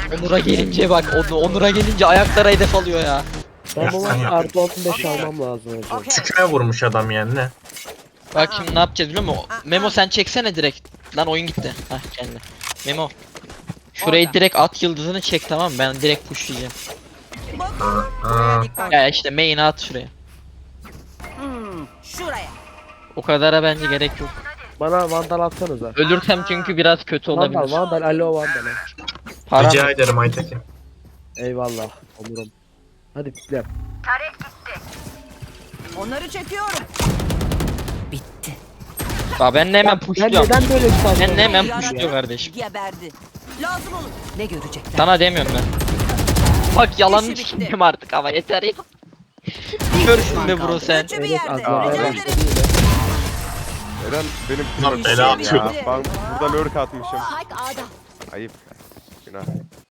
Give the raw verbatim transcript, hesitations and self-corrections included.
Onur'a gelince bak, Onur- Onur'a gelince ayaklara hedef alıyor ya. Ben bu maç Yapsana. artı on beş almam lazım hocam. Tüküme vurmuş adam yani ne? Bak şimdi ne yapacağız biliyor musun? Memo sen çeksene direkt. Lan oyun gitti. Hah kendi. Memo. Şurayı direkt at yıldızını çek, tamam mı? Ben direkt pushlayacağım. Aa, Ya işte main'e at şuraya. Şuraya. O kadara bence gerek yok. Bana vandal atsanıza. Ölürsem çünkü biraz kötü Vandal, olabilir. vandal, alo vandal. Param rica ederim Aytekin. Eyvallah onurum. Hadi piklem. Onları çekiyorum. Bitti. ya ben de hemen Ben pushluyorum. neden böyle bir saldırı? Ben de hemen Yaratık pushluyor kardeşim. Geberdi. Lazım olur. Ne görecekler? Sana demiyorum ben. Bak yalanını İşi bitti. sikeyim artık ama yeter ya. Görsün be bro sen. Üçü bir Evet yerde. azlamaya Rica başladı ederim. yine. Neden benim Lan kızım bela ya? atıyor. Ben burada lurk atmışım. Spike A'da. Ayıp. Günah.